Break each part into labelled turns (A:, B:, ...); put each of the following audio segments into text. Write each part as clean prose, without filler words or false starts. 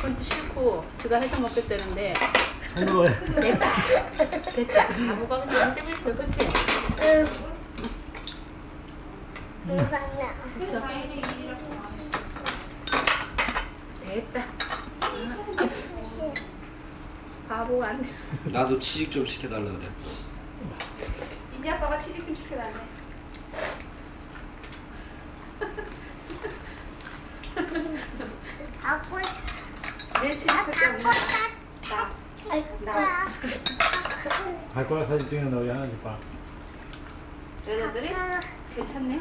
A: 그건 또 싫고 지가 해서 먹겠다는데
B: 손으로 해.
A: 됐다. 아무가 그냥 안 되고 있어, 그렇지?
C: 응. 이상해.
A: 그쵸? 됐다. 바보가 안 돼.
D: 나도 취직 좀 시켜달라 그래.
A: 이제 아빠가 취직 좀 시켜달래.
C: 하고
A: 내 취직할 때 없나?
C: 나.
B: 발가락 사진 찍는 너희 하나씩 봐.
A: 여자들이 괜찮네.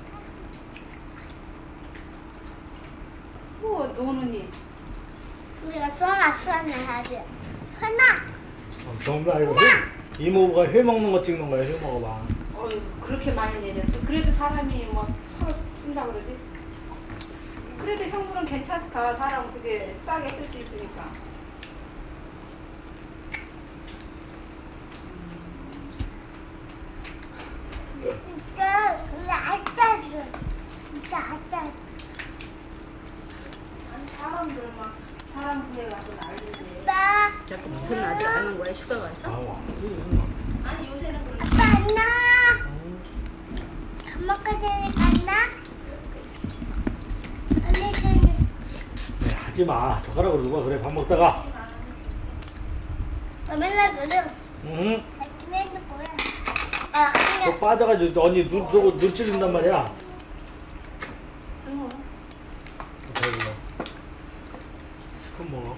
A: 뭐 노는이.
C: 우리가 수원아 해야지. 선아.
B: 정말 이거 이모가 회 먹는 거 찍는 거야. 회 먹어봐.
A: 어휴, 그렇게 많이 내렸어. 그래도 사람이 뭐 서로 쓴다 그러지. 그래도 형부는 괜찮다. 사람 그게 싸게 쓸 수 있으니까.
C: 진짜 우리 아짜주. 진짜 아짜주.
A: 아니 사람들 막 사람 구해 가서 난리지.
C: 아빠.
A: 자꾸 붙어는 아직 안 온 거야? 휴가 가서?
B: 아와.
A: 아니 요새는 그런.
C: 아빠 안나. 밥 먹기 전에 갔나? 언니 전에.
B: 네, 하지 마. 젓가락으로 누가 그래 밥 먹다가.
C: 맨날 그래.
B: 응.
C: 맨날 뭐야? 아,
B: 또
C: 그냥
B: 빠져가지고 언니 눈 찌른단 말이야.
A: 응.
B: 배불러. 시큼 먹어.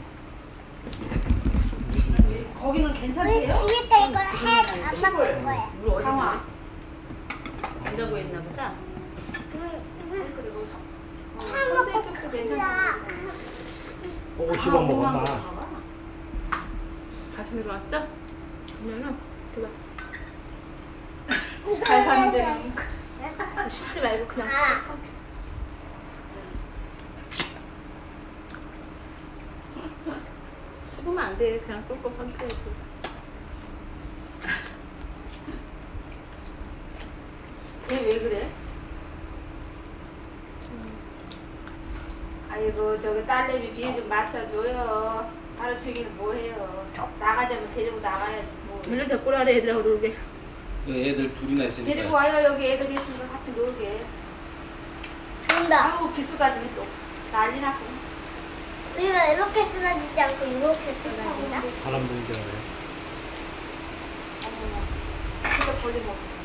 A: 거기는
C: 우리
A: 괜찮대요?
C: 뒤에다 이거 해. 안 먹을 거야.
A: 우리 어디 강화 안다고 했나 보다. 그리고 선생 쪽도 괜찮다.
B: 꼭 씹어 먹었나.
A: 다시 내려왔어? 그러면은 줘봐. 잘 사는 데는 씻지 말고 그냥 쏙 삼켜. 씹으면 안 돼. 그냥 쏙쏙 삼켜야지. 걔 왜 그래? 아이고 저기 딸내미 비에 좀 맞춰줘요. 하루 종일 뭐해요. 나가자면 데리고 나가야지 뭐. 밀려 데리고 오라래 애들하고 놀게.
D: 애들 둘이나 있으니까.
A: 데리고 와요. 여기 애들이 있으면 같이 놀게.
C: 된다.
A: 아우 비수가지니 또 난리 났고.
C: 우리가 이렇게 쓰러지지 않고 이렇게 쓰러지나?
B: 바람 불기 전에.
A: 어머나. 진짜 벌리 먹어.